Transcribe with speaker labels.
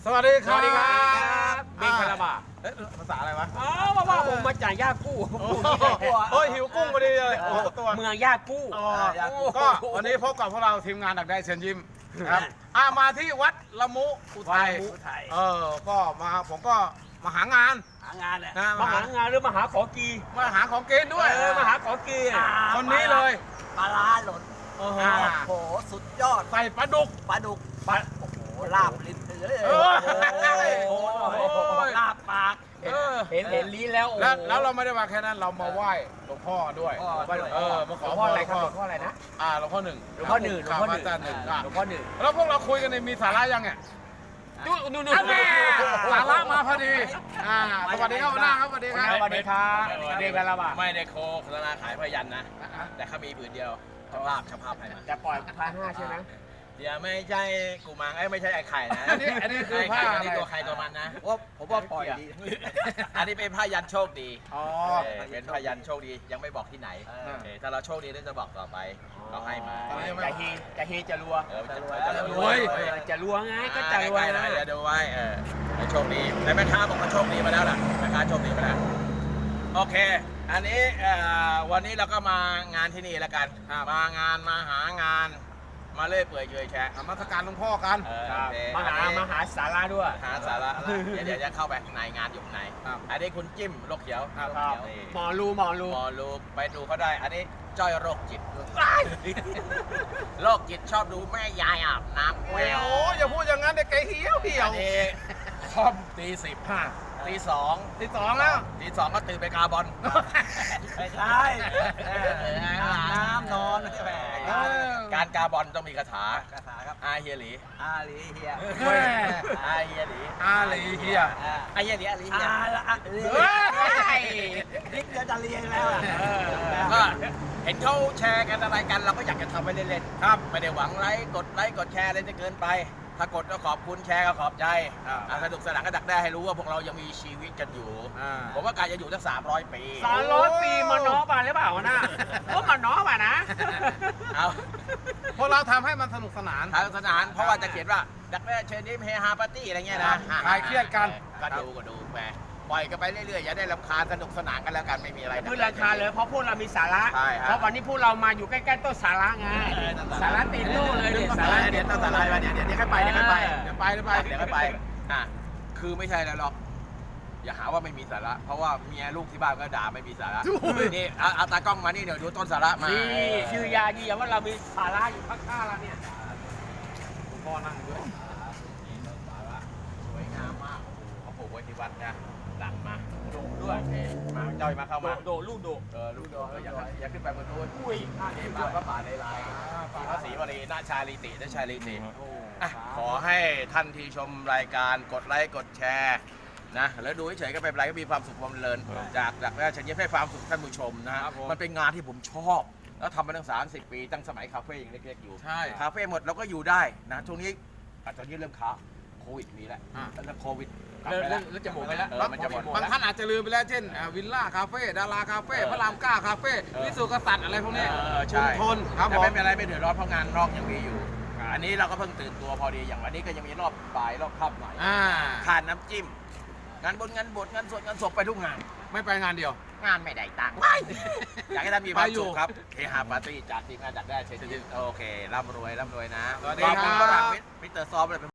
Speaker 1: สวัสดีครับ
Speaker 2: สวัสดีครับเบงคาราบา
Speaker 1: ภาษาอะไรวะ
Speaker 2: อ๋อว่าผมมาจากย่ากู้
Speaker 1: โอ้ยหิวกุ้งพอดีเลยโอ้ตัว
Speaker 2: เมืองย่ากู้
Speaker 1: อ๋อก็วันนี้พบกับพวกเราทีมงานดักได้เชิญยิ้มครับมาที่วัดละมุอุทัยก็มาผมก็มาหางาน
Speaker 2: หางานแหละ
Speaker 1: นะ
Speaker 2: มาหางานหรือมาหาของกี
Speaker 1: มาหาของกินด้วย
Speaker 2: มาหาของกี
Speaker 1: คนนี้เลย
Speaker 3: ปลาร้าหล่น
Speaker 1: โอ้โห
Speaker 3: โอ้โหสุดยอด
Speaker 1: ใส่ปลาดุก
Speaker 3: ปลาดุกปลาโอ้โหลาบลิ้นเลย
Speaker 1: เออ
Speaker 3: โอ้โหลาบปาก
Speaker 2: เห็นลิ้นแล้ว
Speaker 1: แล้วเราไม่ได้มาแค่นั้นเรามาไหว้หลวงพ่อด้วยมาขอ
Speaker 2: หลวงพ่ออะไรครับหลวงพ่ออะไรนะ
Speaker 1: หลวงพ่อหนึ่ง
Speaker 2: หลวงพ่อหนึ่งหลวงพ่อหนึ่ง
Speaker 1: อาจารย์หนึ่ง
Speaker 2: หลวงพ่อหนึ่ง
Speaker 1: แล้วพวกเราคุยกันในมีสาระยังเนี่ย
Speaker 2: นู่น
Speaker 1: สาระมาพอดีสวัสดีครับหัวหน้าครับสวัสดีครับ
Speaker 2: สวัสดีครับเบงคาราบา
Speaker 4: ไม่ได้โฆษณาขายพยันนะ แต่เขามีผืนเดียวช่างภาพให้มา
Speaker 2: จะปล่อย1,500ใช่ไหม
Speaker 4: เดี๋ยวไม่ใช่กูมังไม่ใช่ไอ้ไข่นะ
Speaker 1: อันนี้คือ
Speaker 4: ไอ้
Speaker 1: ผ้า
Speaker 4: ไข่
Speaker 1: อะ
Speaker 4: อัน
Speaker 1: ไร
Speaker 4: นี้ตัวใครตัวมันนะ
Speaker 3: ผมว่าปล่อยดี
Speaker 4: อันนี้เป็นพยันโชคดี
Speaker 1: อ๋อ
Speaker 4: เป็นพยันโชคดียังไม่บอกที่ไหนถ้าเราโชคดีเราจะบอกต่อไปเราให้มา
Speaker 2: จะเฮจะรัว
Speaker 4: จะรวย
Speaker 2: จะรัวไงก็จะรัว
Speaker 4: ใกล้ๆนะจะดูไว้ให้โชคดีแต่แม่ค้าบอกว่าโชคดีมาแล้วล่ะแม่ค้าโชคดีมาแล้วโอเค อันนี้วันนี้เราก็มางานที่นี่แล้วกันมหางานมาเล่อยเปื่อยเฉยแฉะ
Speaker 1: นมัสการหลวงพ่อกัน
Speaker 2: มาหาสาระด้วย
Speaker 4: หาสาระเดี๋ยวจะเข้าไปข้างในงานอยู่ข้างในอันนี้คุณจิ้มโรคเขียว
Speaker 2: หมอรู
Speaker 4: หมอรูไปดูเขาได้ อันนี้จ้อยโรคจิตโรคจิตชอบดูแม่ยายอาบน้ำแมว
Speaker 1: โอ้อย่าพูดอย่างนั้นเด็กไก่เหี่ยว
Speaker 4: อันนี้คอมตี10ตี2
Speaker 1: ที่สองแล้ว
Speaker 4: ตี2ก็ตื่นไปกาบอล
Speaker 3: ไม่ใช่น้ำนอนแหม
Speaker 4: การกาบอลต้องมีคาถา
Speaker 3: คาถาครับ
Speaker 4: อาเฮียหลี
Speaker 3: อาลีเฮีย
Speaker 4: อาเฮียหลี
Speaker 1: อาหลีเฮีย
Speaker 4: อาเฮียหลีอาลีเฮีย
Speaker 3: อาละลี
Speaker 1: เฮ้ย
Speaker 3: ลิฟต์จะเรียนแล้ว
Speaker 4: ก็เห็นเขาแชร์กันอะไรกันเราก็อยากจะทำไปเล่นๆครับไม่ได้หวังกดไลค์กดแชร์อะไรจะเกินไป ถ้ากดก็ขอบคุณแชร์ก็ขอบใจสนุกสนานก็ดักได้ให้รู้ว่าพวกเรายังมีชีวิตกันอยู่ผมว่าการจะอยู่ตั้ง300 ปี
Speaker 2: 300 ปีมาน้อป่ะหรือเปล่านะก็มาน้อป่ะนะ
Speaker 4: เอา
Speaker 1: พวกเราทำให้มันสนุกสนาน
Speaker 4: ทางสนานเพราะว่าจะเขียนว่าดักแด้เชิญยิ้มเฮฮาปาร์ตี้อะไรเงี้ยนะ
Speaker 1: คลายเครียดกัน
Speaker 4: ก็ดูไปปล่อยกันไปเรื่อยๆอย่าได้รำคาญสนุกสนานกันแล้วกันไม่มีอะไร
Speaker 2: คือราคาเลยเพราะพวกเรามีสาระ
Speaker 4: ใช่ครับ
Speaker 2: เพราะวันนี้พวกเรามาอยู่ใกล้ๆต้นสาระไงสาระตีนโน่เลยเนี่ยสาระ
Speaker 4: เดี๋ยวต้องสาระไปเดี๋ยวค่อยไปเดี๋ยวค่อยไป
Speaker 1: เดี๋ยวไป
Speaker 4: เดี๋ยวค่อยไปคือไม่ใช่แล้วหรอกอย่าหาว่าไม่มีสาระ เพราะว่าเมียลูกที่บ้านก็ด่าไม่มีสาระนี่เอาตากล้องมานี่เดี๋ยวดูต้นสาระมา
Speaker 2: นี่ชื่อยายืนยันว่าเรามีสาระอยู่ข้างๆเราเนี่ย
Speaker 1: พ่อนั่งด้วย
Speaker 4: สวยงามมากเขาปลูกไว้ที่วัดนะหลังมาดูด้วยมาจ้อยมาเข้ามา
Speaker 2: โดลูกโด
Speaker 4: ลูกโดอย่าขึ้นไปบนนู้น
Speaker 2: อุ้ย
Speaker 4: นี่มาพระป่าในลายพระศรีวลีนาชาลีตินาชาลีติขอให้ท่านที่ชมรายการกดไลค์กดแชร์นะแล้วดูเฉยๆก็ไม่เป็นไรก็มีความสุขความเพลินจากฉันยิ้มให้ความสุขท่านผู้ชมนะมันเป็นงานที่ผมชอบแล้วทำมาตั้ง30 ปีตั้งสมัยคาเฟ่ยังเล็กๆอยู่
Speaker 1: ใช่
Speaker 4: คาเฟ่หมดเราก็อยู่ได้นะช่วงนี้ตอนนี้เริ่มค้าโควิดมีแล้วแล้วโควิด
Speaker 2: เริ่มจะหมดไปแล้ว
Speaker 4: มันจะหมด
Speaker 1: บางท่านอาจจะลืมไปแล้วเช่นวิลล่าคาเฟ่ดาราคาเฟ่พระรามเก้าคาเฟ่วิสุทธิกษัตริย์อะไรพวกนี้
Speaker 4: ใช่
Speaker 1: ทนครับผ
Speaker 4: แต่
Speaker 1: ม
Speaker 4: ไม่เป็นไรไม่เดือดร้อนเพราะงานนอกยังมีอยู่ อันนี้เราก็เพิ่งตื่นตัวพอดีอย่างวันนี้ก็ยังมีรอบบ่ายรอบค่ำหน่อยทานน้ำจิ้มงานบนงานบทงานสวดงานศพไปทุกงาน
Speaker 1: ไม่ไปงานเดียว
Speaker 4: งานไม่ได้ตังค์อยากให้ท่านมีความสุขครับเฮฮาปาร์ตี้จากทีมงานจัดได้เชิญโอเคร่ำรวยนะ
Speaker 1: สวัสดี
Speaker 4: ขอบ
Speaker 1: ครั
Speaker 4: คุณ
Speaker 1: บ
Speaker 4: ฝรั่งมิสเตอร์ซอมเลย